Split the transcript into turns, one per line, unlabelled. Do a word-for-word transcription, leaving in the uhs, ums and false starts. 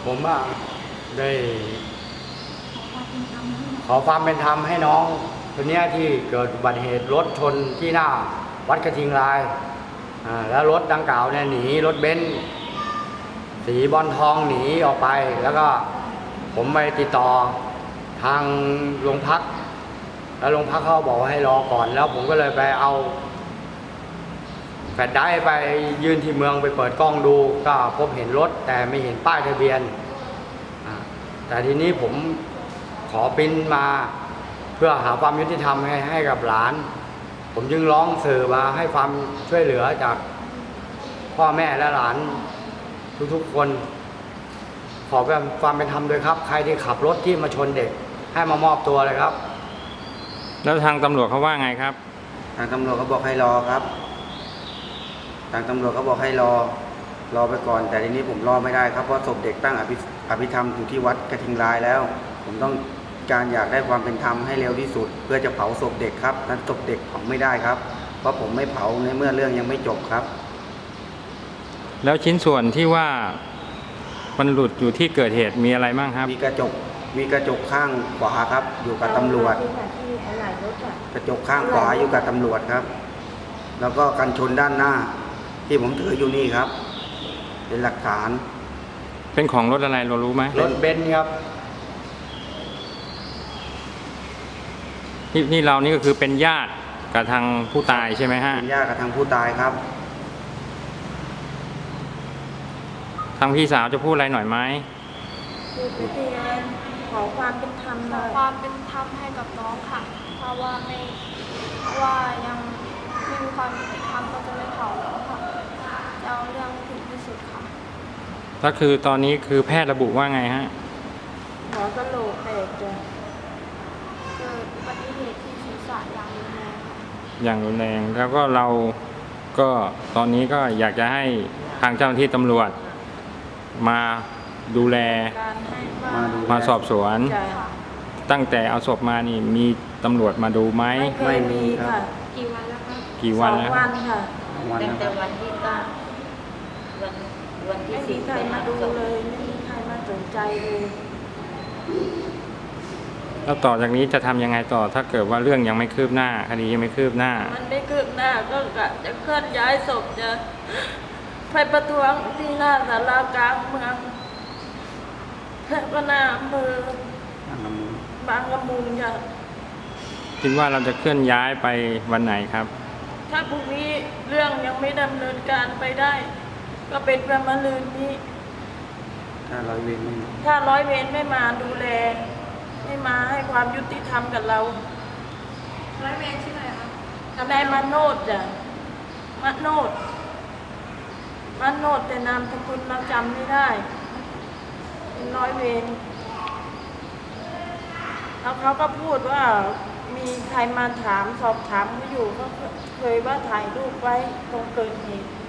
ผมอะได้ขอความเป็นธรรมให้น้องคนนี้ที่เกิดอุบัติเหตุรถชนที่หน้าวัดกระทิงลายอ่าแล้วรถดังกล่าวเนี่ยหนีรถเบนซ์สีบอลทองหนีออกไปแล้วก็ผมไปติดต่อทางโรงพักแล้วโรงพักเขาบอกว่าให้รอก่อนแล้วผมก็เลยไปเอาแฟลชไดรฟ์ไปยื่นที่เมืองไปเปิดกล้องดูก็พบเห็นรถแต่ไม่เห็นป้ายทะเบียนแต่ทีนี้ผมขอปริ้นมาเพื่อหาความยุติธรรมให้ให้กับหลานผมจึงร้องสื่อมาให้ความช่วยเหลือจากพ่อแม่และหลานทุกๆคนขอความเป็นธรรมด้วยครับใครที่ขับรถที่มาชนเด็กให้มามอบตัวเลยครับ
แล้วทางตำรวจเขาว่าไงครับ
ทางตำรวจเขาบอกให้รอครับทางตำรวจเขาบอกให้รอรอไปก่อนแต่ทีนี้ผมรอไม่ได้ครับเพราะศพเด็กตั้งอภิอภิธรรมอยู่ที่วัดกระทิงลายแล้วผมต้องการอยากได้ความเป็นธรรมให้เร็วที่สุดเพื่อจะเผาศพเด็กครับนั้นศพเด็กเผาไม่ได้ครับเพราะผมไม่เผาในเมื่อเรื่องยังไม่จบครับ
แล้วชิ้นส่วนที่ว่ามันหลุดอยู่ที่เกิดเหตุมีอะไรบ้างครับ
มีกระจกมีกระจกข้างขวาครับอยู่กับตำรวจกระจกข้างขวาอยู่กับตำรวจครับแล้วก็กันชนด้านหน้าที่ผมถืออยู่นี่ครับเป็นหลักฐาน
เป็นของรถอะไรเรารู้ไหม
รถเบนซ์ครับ
ที่ที่เรานี่ก็คือเป็นญาติกับทางผู้ตายใช่ไหมฮะ
เป็นญาติกับทางผู้ตายครับ
ทางพี่สาวจะพูดอะไรหน่อยไหม
คือพิธีขอความเป็นธรรมขอความเป็นธรรมให้กับน้องค่ะเพราะว่าไม่เพราะว่ายังไม่มีความยุติธรรมก็จะไม่เผาแล้วค่ะจะเอาเรื่องให้ถึงที่สุดค่ะ
ก็คือตอนนี้คือแพทย์ระบุว่าไงฮะ
หมอกระโหลกแตกจะเกิดอุบัติเหตุที่ศีรษะอย่างรุนแรง
อย่างรุนแรงแล้วก็เราก็ตอนนี้ก็อยากจะให้ทางเจ้าหน้าที่ตำรวจมาดูแลมาสอบสวนตั้งแต่เอาศพมานี่มีตำรวจมาดูไหม
ไม่มีค่ะกี่วันแล้วคะ
กี่วันแล้ว
วันค่ะ
ตั้งแต่วันที่เก้าวันวันที่สี่
ไม่มีใครมาดูเลยไม่มีใครมาสนใจเลย
แล้วต่อจากนี้จะทำยังไงต่อถ้าเกิดว่าเรื่องยังไม่คืบหน้าคดียังไม่คืบหน้า
มันไม่คืบหน้าก็จะเคลื่อนย้ายศพจะไปประท้วงที่หน้าศาลากลางเมืองแพร่ก็หน้าอำเภอบางละมุงจ้ะ
คิดว่าเราจะเคลื่อนย้ายไปวันไหนครับ
ถ้าพรุ่งนี้เรื่องยังไม่ดำเนินการไปได้ก็เป็นประมาณลืนนี้
ถ้าร้อยเวรไม่
ถ้าร้อยเวรไม่มาดูแลไม่มาให้ความยุติธรรมกับเราร้อยเวรชื่ออะไรคะทนายมาโนดจ้ะมาโนดมาโนดแต่นามสกุลเราจำไม่ได้เป็นร้อยเวรแล้วเขาก็พูดว่ามีใครมาถามสอบถามเขาอยู่เขาเคยว่าถ่ายรูปไว้ตรงเกิดเหตุ